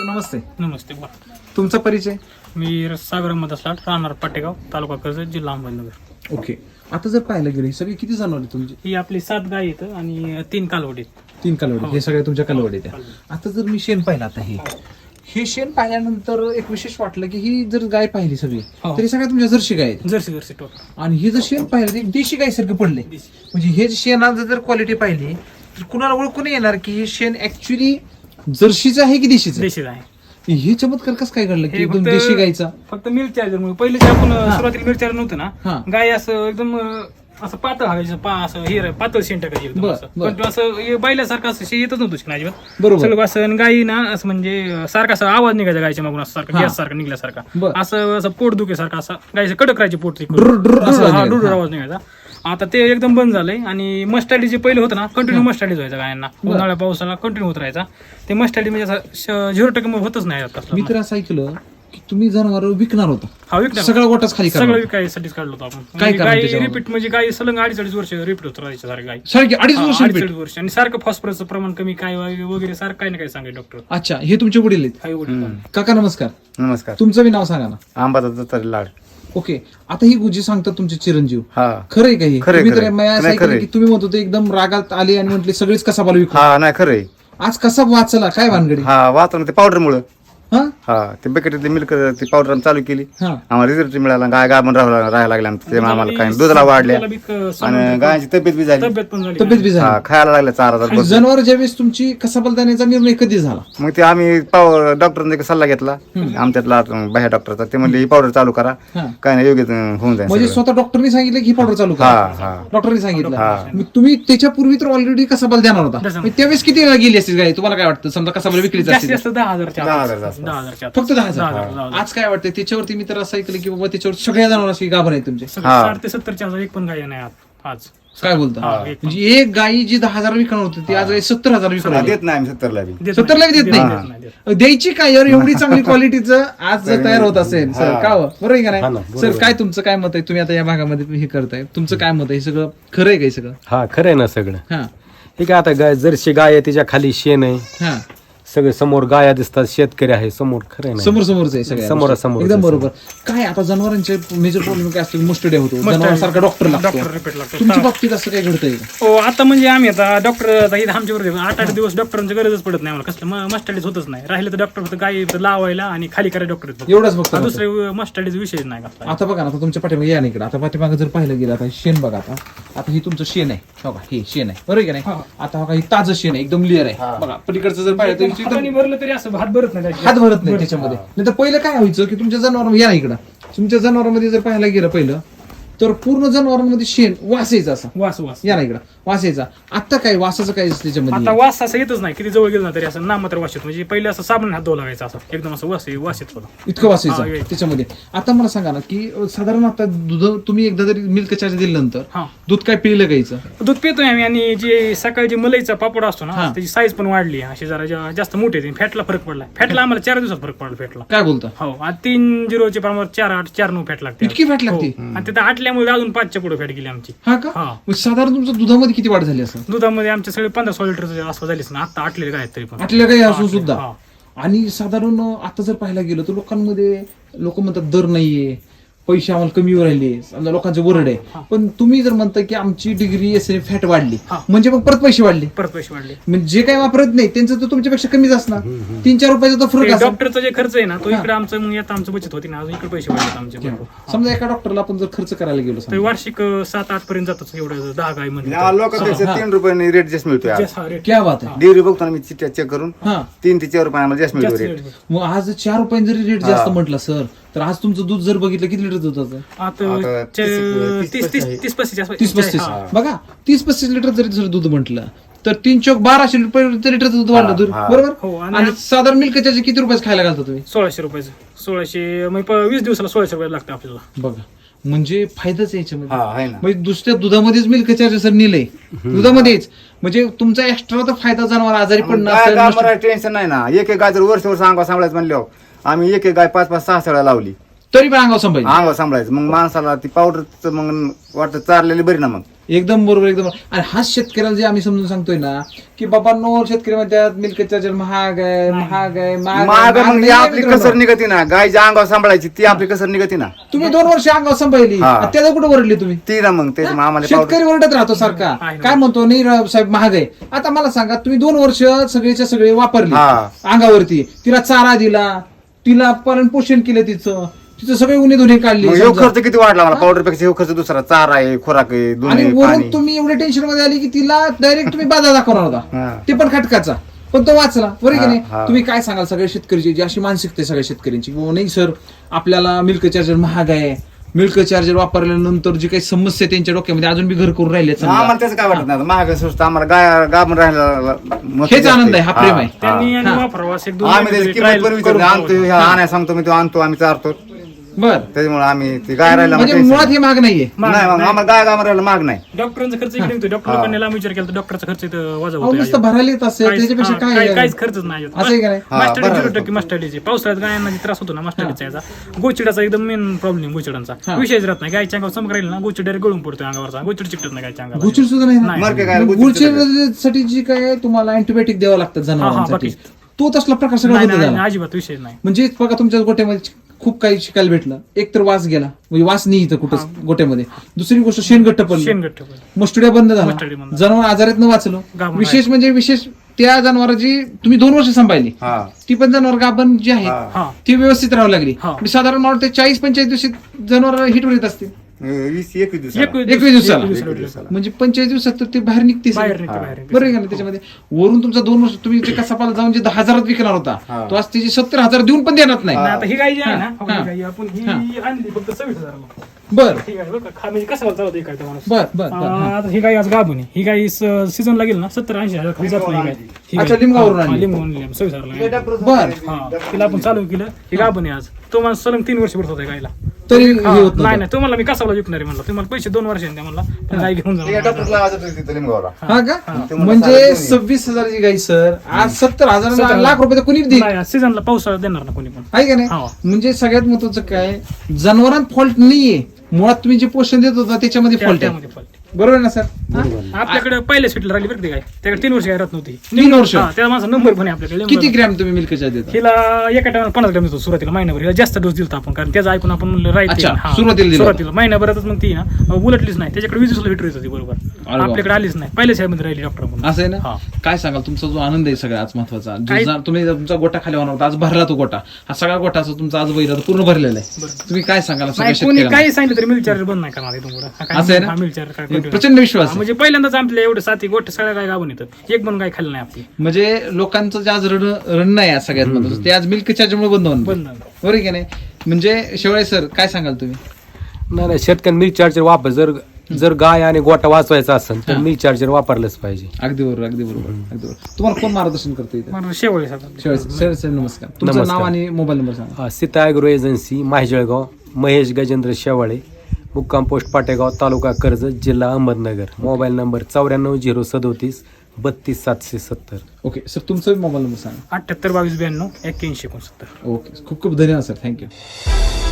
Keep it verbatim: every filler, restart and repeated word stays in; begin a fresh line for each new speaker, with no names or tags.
नमस्ते.
नमस्ते बोला.
तुमचा परिचय?
मी सागर अहमद असलाट, राहणार पाटेगाव, तालुका कर्जत, जिल्हा अहमदनगर.
ओके. आता जर पाहायला गेले सगळी किती जनावरे तुमची?
ही आपली सात गाय आहेत आणि तीन कालवडी आहेत.
तीन कालवडी. हे सगळे तुमच्या कालवडी त्या. आता जर मी शेण पाहिलं आता हे हे शेण पाहिल्यानंतर एक विशेष वाटलं की ही जर गाय पाहिली सगळी
हो.
तरी सगळ्या तुमच्या जर्सी गाय आहेत.
Jersey jersey total.
आणि हे जर शेण पाहिलं तर एक देशी गाय सारखं पडले. म्हणजे हे जे शेणाचं जर क्वालिटी पाहिली तर कुणाला ओळखून येणार की हे शेण ऍक्च्युली जर्सीचं आहे की देशीचं?
देशीच आहे.
हे चमत्कार कसं काय घडलं की
हे
एकदम
फक्त-
देशी गायचा?
फक्त मिल्क चार्जर मुळे पहिले जे आपण सुरुवातीला मिल्क चार्जर नव्हतं
हा.
ना, गाय असं एकदम अं, असं पातळ हवायचं पा असं हे पातळ शेण टाकायची एकदम
बरं,
असं.
बरं.
पण तो असं हे बैलासारखं असं शे येतच नव्हतं शेण अजिबात.
बरोबर.
सगळं असं आणि गाई ना असं म्हणजे अं, सारखा असा आवाज निघायचा गायच्या मागून असं सारखा
हा.
गॅस सारखा निघल्यासारखा
बरं.
असं असं पोट दुखेसारखं असं गायचं कडक राहायचे पोट ते
डुर- डुर असं
हा
निघायचं.
डुर आवाज निघायचा. आता ते एकदम बंद झालंय आणि मस्टॅलिटी जे पहिलं होतं ना कंटिन्यू मस्टॅलिटी व्हायचा गायांना.
बरं.
उन्हाळ्या पावसाला कंटिन्यू होत राहायचा. ते मस्टॅलिटी म्हणजे असं झिरो टक्के होतच नाही आता
मी तर असं ऐकलं की तुम्ही जनावर विकणार होता.
हा विकणार
सगळा गोटाच खाली
सगळं
करणार.
विकायसाठीच काढलो होतो आपण.
काय
म्हणजे
कारण
गाय
त्याच्यावर?
रिपीट म्हणजे गाय सलंग अडीच अडीच वर्ष रिपीट होत राहायच्या सारखं गाय.
सारखी अडीच वर्ष
हा, अडीच
repeat?
अडीच वर्ष आणि सारखं फॉस्फरसचं प्रमाण कमी काय वगैरे सारखं काही ना काही सांगाय डॉक्टर.
अच्छा, हे तुमचे वडील आहेत.
हाय वडील.
काका नमस्कार.
नमस्कार.
तुमचं बी नाव सांगा ना.
आंबाचा तरी लाड.
ओके. आता ही गुजी सांगतात तुमचे चिरंजीव,
हा
खरं आहे का हे?
खरंय,
तुम्ही तर
खरंय.
मी असं
नाही,
ऐकलं
खरंय.
की तुम्ही म्हणत होते एकदम रागात आले आणि म्हटले सगळेच कसाबाला विकू.
हा नाही खरंय.
आज कसा वाचला काय भानगडी?
हा वाचलं ते पावडर मुळे.
हा
हा ते बकेटली मिल्क ती पावडर चालू केली.
हा
आम्हाला रिझल्ट मिळाला. गाय गाय पण राहायला राहायला लागल्या त्यामुळे आम्हाला काय दुधाला वाढल्या
दुधाला बी क-
आणि गायची तब्येत बी झाली.
तब्येत पण झाली.
तब्येत बी
हा
झाली.
खायला लागल्या चार हजार बसून.
जनावर ज्यावेळेस तुमची कसाबाला देण्याचा निर्णय कधी झाला?
मग ते आम्ही डॉक्टरने सल्ला घेतला आमच्यातला बाह्य डॉक्टरचा. ते म्हणले ही पावडर चालू करा,
हा.
काय नाही योग्य होऊन जाईल
म्हणजे
सगळं.
स्वतः डॉक्टरनी सांगितलं की ही पावडर चालू
हा
करा.
हा
डॉक्टरनी सांगितलं.
हा.
मग तुम्ही त्याच्यापूर्वी तर ऑलरेडी कसाबाला देणार होता.
देणार.
मग त्यावेळेस किती वेळा गेली असतील गाय? तुम्हाला काय वाटतं? समजा कसाबाला विक्रीच
जास्तीत
असतील
जास्त दहा हजारच्या
दहा
आत.
हजारच्या आसपास.
दहा हजारच्या आत.
फक्त दहा
दहा
हजार.
हजार, दहा हजार.
आज काय वाटतं त्याच्यावरती? मी तर असं ऐकलं की बाबा त्याच्यावर सगळ्या जनावरांची गाभण आहे तुमचे.
सगळं
हा.
साठ ते सत्तरच्या हजार एक पण गाय नाही आत आज.
काय बोलता?
हा, एक पण.
म्हणजे एक गायी जी दहा हजार विकणार होती ती आज गाय सत्तर हजार
हा,
विकणार
देत नाही आम्ही सत्तरला बी.
देत
सत्तरला बी देत
देत
नाही.
नाही, देत नाही.
द्यायची काय यार? एवढी चांगली क्वालिटीचं आज जर तयार होत असेल सर, का हो? बरोबर आहे का नाही सर? काय तुमचं काय मत आहे? तुम्ही आता या भागामध्ये हे करताय, तुमचं काय मत आहे? हे सगळं खरं आहे का हे सगळं?
हा खरं आहे ना सगळं.
हा
हे काय आता गाय जर्सी गाय आहे तिच्या खाली शेण आहे,
हा
सगळे समोर गाया दिसतात, शेतकरी आहे समोर. खरं आहे ना?
समोर समोरच आहे सगळ्या
समोरासमोर
गोष्टी. एकदम
आहे
बरोबर. काय आता जनावरांचे मेजर प्रॉब्लेम काय असतो? मुस्टडे होतो, जनावरांसारखा डॉक्टर लागतो.
डॉक्टर रिपीट लागतो.
तुमच्या बाबतीत असं काही घडतंय का?
हो आता म्हणजे आम्ही आता डॉक्टर इथं आमच्यावर आठ आठ दिवस डॉक्टरांची गरजच पडत नाही आम्हाला. कसलं मस्टडीज होतच नाही. राहिलं तर डॉक्टर फक्त गाय लावायला आणि खाली करायला डॉक्टर.
एवढंच फक्त.
दुसरे मस्टडीज विषयच नाही कसला.
आता बघा ना, आता तुमच्या पाठीमागे या ना इकडे. आता पाठीमागे जर पाहिलं गेलं, आता शेण बघा. आता आता ही तुमचं शेण आहे बघा, हे शेण आहे बरोबर आहे का नाही? आता बघा ही ताजं शेण आहे, एकदम क्लिअर आहे बघा. पलीकडचं जर पाहिलं तर
हाताने
एकदम
भरलं तरी असं हात भरत नाही त्याच्यात.
हात भरत नाही त्याच्यामध्ये. नाही तर पहिलं काय व्हायचं की तुमच्या जनावर या ना इकडं, तुमच्या जनावरांमध्ये जर पाहायला गेलं पहिलं तर पूर्ण जनावरांमध्ये शेण वास यायचा असा.
वास वास.
या ना इकडं वास यायचा. आता काय वासाचं काय त्याच्यामध्ये?
आता वास असं येतच नाही. किती जवळ गेलं ना तरी असं नामात्र वास येतो. म्हणजे पहिले असं साबण हात धुवा लागायचा असं एकदम असं वास वास येत होता.
इतकं वास
हा,
यायचा
येईल.
त्याच्यामध्ये. आता मला सांगा ना की अं, साधारण आता दूध तुम्ही एकदा जरी मिल्क चार्ज दिल्यानंतर
हा
दूध काय पिलं गायचं?
दूध पितोय आम्ही. आणि जे सकाळी जे मलईचा पापड असतो ना
हा.
त्याची साईज पण वाढली अशी जरा जा- जास्त मोठी आहे. फॅटला फरक पडला. फॅटला आम्हाला चार दिवसात फरक पडला फॅटला.
काय बोलता?
हो आज तीन झिरोच्या प्रमाणात चार आठ चार नऊ फॅट लागते.
इतकी फॅट लागते?
हो. आणि तिथं आटल्यामुळे अजून पाचच्या पुढे फॅट गेली आमची.
हा का?
हा.
मग साधारण तुमच्या दुधामध्ये किती वाढ झाली असं?
दुधामध्ये आमचे सगळे पंधरा सोळा लिटर आसपास झालीच ना. आता आटलेले काय आहेत तरी पण.
आटल्या काही असून सुद्धा.
हा.
आणि साधारण आता जर पाहायला गेलं तर लोकांमध्ये लोक म्हणतात दर नाहीये, पैसे आम्हाला कमी राहिले, समजा लोकांचे वरड आहे. पण तुम्ही जर म्हणता की आमची डिग्री एस फॅट वाढली
हा.
म्हणजे मग परत पैसे वाढले.
परत पैसे वाढले.
म्हणजे जे काही वापरत नाही त्यांचं तर तुमच्यापेक्षा कमीच असणार. तीन चार रुपयाचा तर फरक असणार.
डॉक्टरचा जे खर्च आहे ना तो
हा.
इकडे आमचं मग आता आमचं बचत होती ना. अजून इकडे पैसे वाढले आमचे भरपूर.
समजा एका डॉक्टरला आपण जर खर्च करायला गेलो
तर
समजा,
वार्षिक अं, सात आठ पर्यंत जातात एवढं दहा गाय
या
म्हणजे.
लोकांपेक्षा तीन रुपयांनी रेट जास्त मिळतोय आज.
जास्त हा rate.
क्या बात आहे.
डेअरी बघतो ना मी चिठ्ठ्या चेक करून
हा
तीन ते चार रुपये आम्हाला जास्त मिळतो
जास्त
रेट.
rate.
मग आज चार रुपयांनी जरी रेट जास्त
हा.
म्हटलं सर, तर आज तुमचं दूध जर बघितलं किती लिटर दूध होतं?
आता
आता
चे-
तीस-
तीस तीस तीस पस्तीस आसपास.
तीस पस्तीस.
हा.
बघा तीस पस्तीस लिटर जरी जर दूध म्हटलं तर तीन चौक बाराशे रुपये लिटर दूध वाढलं दूध,
हा.
बरोबर?
हो, आणि
आणि साधारण मिल्क चार्ज किती रुपयाचं खायला घालता तुम्ही?
सोळाशे रुपयाचं. सोळाशे म्हणजे प- वीस दिवसाला सोळाशे रुपये लागतं आपल्याला.
बघा म्हणजे फायदाच आहे याच्यामध्ये.
हा आहे ना.
म्हणजे दुसऱ्या दुधामध्येच मिल्क चार्ज सर नेलंय दुधामध्येच. म्हणजे तुमचा एक्स्ट्रा तर फायदा जनावर आजारी पडणं
गाय
असेल,
गाय
नष्ट-
मला टेन्शन नाही ना. एक एक गाय जर वर्ष वर्ष अंगा सांभाळायचं म्हणल्यावर आम्ही एक एक गाय पाच पाच सहा सहा लावली.
तरी पण अंगावर संभाजी
अंगावर सांभाळायचं. मग माणसाला ती पावडर मग वाटत चारलेली बरी ना. मग
एकदम बरोबर एकदम बरोबर. आणि हाच शेतकऱ्याला जे आम्ही समजून सांगतोय ना की बाबा नो शेतकरी म्हणतात मिल्क चार्जर महाग आहे महाग आहे महाग
महाग
आहे.
म्हणजे
महाग
आपली
नाही
कसर निघती ना. गायच्या अंगावर सांभाळायची ती आपली कसर निघती ना.
तुम्ही दोन वर्ष अंगावर संभाळली
हा.
आणि त्याला कुठे ओरडली तुम्ही?
ती ना मग त्याच्या आम्हाला पावडर
शेतकरी ओरडत राहतो सारखा
आहे ना.
काय म्हणतो नाही राव साहेब महाग आहे. आता मला सांगा तुम्ही दोन वर्ष सगळेच्या सगळे वापरले
हा.
अंगावरती तिला चारा दिला तिला पालन पोषण केलं तिचं तिचं सगळे उन्हे धुणे काढले
मग ह्यो
समजा.
खर्च किती वाढला मला. पावडर पेक्षा ह्यो खर्च दुसरा. चारा आहे, खुराक आहे,
आणि
दोन्ही
वरून
पाणी.
तुम्ही एवढे टेन्शन मध्ये आली की तिला डायरेक्ट तुम्ही बाधा दाखवणार होता
हा.
ते पण खटकाचा पण तो वाचला बरोबर की
हा,
नाही.
हा.
तुम्ही काय सांगाल सगळ्या शेतकऱ्याची जी अशी मानसिकता आहे सगळ्या शेतकऱ्यांची की बाबा नाही सर आपल्याला मिल्क चार्जर महाग आहे मिल्क चार्जर वापरल्यानंतर जी काही समस्या त्यांच्या डोक्यामध्ये अजून बी घर करून राहिले
आम्हाला त्याचं काय वाटत नाही. महाग स्वस्त आम्हाला गाय गाभण राहायला महत्त्व
हेच
जास्त
आनंद आहे हा प्रेम आहे
त्यांनी आणि
हा.
वापरावं असं एक दोन
आम्ही त्याची
महिने
किंमत
trial
पण विचारतो.
करून
आणतो
बघावं.
ह्या आणायला सांगतो मी तो आणतो आम्ही चारतो.
बर
त्याच्यामुळे आम्ही ती गाय राहायला
म्हणजे
मग
मुळात
tension
हे महाग नाहीये
नाही. नाही मग आम्हाला गाय गाभण राहायला माग नाही.
डॉक्टरांचा खर्च इकडे येतो. डॉक्टर लोकांनी लांब विचार केला तर डॉक्टरचा खर्च इथं वजा
अहो,
होतो
नुसतं भरायला येत असेल
काहीच-
त्याच्यापेक्षा
हा,
काय
काही-
आहे?
काहीच खर्चच नाही
असं आहे का नाही?
हा,
मास्टरडी
बरोबर.
झिरो टक्के मास्टरडीचे पावसाळ्यात गायांना जे त्रास होतो ना मास्टरडीचा याचा गोचिडाचा एकदम मेन प्रॉब्लेम
हा.
गोचिडांचा विषयच राहत नाही. गायच्या अंगावर चमक राहील ना गोचिड डायरेक्ट गळून पडतो अंगावरचा. गोचिड चिकटत नाही गायच्या अंगावर.
गुचिड सुद्धा नाही ना?
नाही.
मर के गायला
मग
गुचिड
गुचिडसाठी जी काय तुम्हाला अँटीबायोटिक द्यावं लागतं जनावरांसाठी
बाकी.
तो तसला प्रकार सगळा
नाही,
बंद
नाही,
झाला
नाही, अजिबात विषय नाही.
म्हणजे बघा तुमच्या गोट्यामध्ये खूप काही शिकायला भेटलं. एक तर वास गेला म्हणजे वास नाही इथं कुठं गोट्यामध्ये. दुसरी गोष्ट शेणगट्ट पडलं
शेणगट्ट पण.
मस्टुड्या बंद
मस्टडी
झाला
बंद.
जनावर आजारात वाचलो.
गाभण
विशेष म्हणजे विशेष त्या जनावरांची तुम्ही दोन वर्ष सांभाळली
हा.
ती पण जनावर गाभण जी आहे
हा.
हा
ती व्यवस्थित राहावी लागली.
हा.
म्हणजे साधारण मला वाटतं चाळीस पंचेचाळीस दिवशी जनावर हिटवर येत असतील
वीस एकवीस दिवसाला.
एकवीस
एकवीस दिवसाला.
एकवीस
एकवीस दिवसाला.
म्हणजे पंचेचाळीस दिवसात तर ते बाहेर निघते
बाहेर निघते बाहेर निघते.
बरोबर आहे का नाही? त्याच्यामध्ये वरून तुमचा दोन वर्ष तुम्ही जे कसापाला जाऊन जे दहा हजारात विकणार होता
हा.
तो आज त्याची सत्तर हजार देऊन पण देणार नाही.
आणि आता ही गाय जी आहे ना
हा.
हो, ही गाय आपण ही
हा.
आणली फक्त सव्वीस हजाराला.
बर
ही गाय बरं का, खा- म्हणजे कसं चालवतं ही गाय तो माणूस.
बर बर बर
आ, आता ही गाय आज गाभून आहे. ही गाय सीझन लागेल ना सत्तर ऐंशी हजार खाली जात नाही ही गाय. ही गाय.
अच्छा, लिंबावरून
हा,
आणली.
लिंबावरून आणली. सव्वीस हजारला गाय.
बर
हा तिला आपण चालू केलं ही गाभून आहे आज. तो माणूस सलग तीन वर्ष भरत होता गायला.
तरी हे
हा,
होत
नाही
नाही
नाही तुम्हाला मी कसाला विकणार आहे म्हणलं तुम्हाला पैसे दोन वर्षांनी द्या म्हणला पण गाय घेऊन
ते
जा
डॉक्टरला आवाज येतो तिथं लिंगावला.
हा का
ते मला
म्हणजे
साडेतीन.
सव्वीस हजाराची गाई सर आज सत्तर हजार
सत्तर
लाख रुपये तर कोणी देईल
नाही सीझनला पावसाळ्यात देणार ना कोणी पण.
आहे का
हा.
नाही म्हणजे सगळ्यात महत्वाचं काय जनावरांत फॉल्ट नाहीये मुळात तुम्ही जे पोषण देत होता त्याच्यामध्ये
त्या-
फॉल्ट आहे
त्यामध्ये fault.
बरोबर ना सर
आपल्याकडे पहिल्या स्वीटला राहिली बरं ती गाय त्याकडे तीन वर्ष गाय राहत नव्हती.
तीन वर्ष
हा, त्या माणसा नंबर पण आहे आपल्याकडे
किती ग्रॅम तुम्ही मिल्कच्या देता
हिला एका टायमाला पन्नास ग्रॅम देतो सुरुवातीला महिनाभर हिला जास्त डोस दिलता आपण कारण त्याचं ऐकून आपण म्हणलं राईट
अच्छा, सुरुवातीला दिला.
सुरुवातीला महिनाभरातच मग ती ना उलटलीच नाही त्याच्याकडे वीस दिवसाला हिटर येत होती बरोबर
अरे वा.
आपल्याकडे आलीच नाही पहिल्या साहेबमध्ये राहिली डॉक्टर म्हणून.
असं आहे ना
हा.
काय सांगाल तुमचा जो आनंद आहे सगळ्यात महत्वाचा जो
काय-
जा- तुम्ही तुमचा गोटा खाली होणार होता आज भरला तो गोटा हा सगळा गोटा असं तुमचा आज बैल पूर्ण भरलेला आहे तुम्ही काय सांगाल सगळ्या
नाही कोणी
शेतकऱ्यांना
काही सांगितलं तरी मिल चार्जर बंद नाही करणार इथून पुढं. हा, काय
असं आहे ना?
हा, मिल चार्जर काय continue.
प्रचंड विश्वास
हा,
आहे.
म्हणजे पहिल्यांदाच आपल्या एवढे साथी गोष्ट सगळ्या काय गावून येतात एक पण काय खाल्लं नाही आपली
म्हणजे लोकांचं जे आज रण रण आहे आज सगळ्यात महत्वाचं ते आज मिल्क चार्जरमुळे बंद होणार
बंद नाही.
बरोबर आहे की नाही म्हणजे शेवळे सर काय सांगाल तुम्ही
नाही नाही शेतकऱ्यांनी मिल्क चार्जर वापर जर जर गाय आणि गोटा वाचवायचा असेल तर
हा.
मिल्क चार्जर वापरलंच पाहिजे.
अगदी बरोबर अगदी बरोबर अगदी बरोबर तुम्हाला कोण मार्गदर्शन करतो इथे
मला शेवळे साधा.
शेवळे सर सर नमस्कार तुमचं
नमस्कार.
नाव आणि मोबाईल नंबर सांगा
अ, सीता ॲग्रो एजन्सी माहिजळगाव महेश गजेंद्र शेवाळे मुक्काम पोस्ट पाटेगाव तालुका कर्जत जिल्हा अहमदनगर मोबाईल नंबर चौऱ्याण्णव झिरो सदोतीस बत्तीस सातशे सत्तर.
ओके सर तुमचा मोबाईल नंबर सांगा
अठ्ठ्याहत्तर बावीस ब्याण्णव एक्क्याऐंशी एकोणसत्तर.
ओके खूप खूप धन्यवाद सर थँक्यू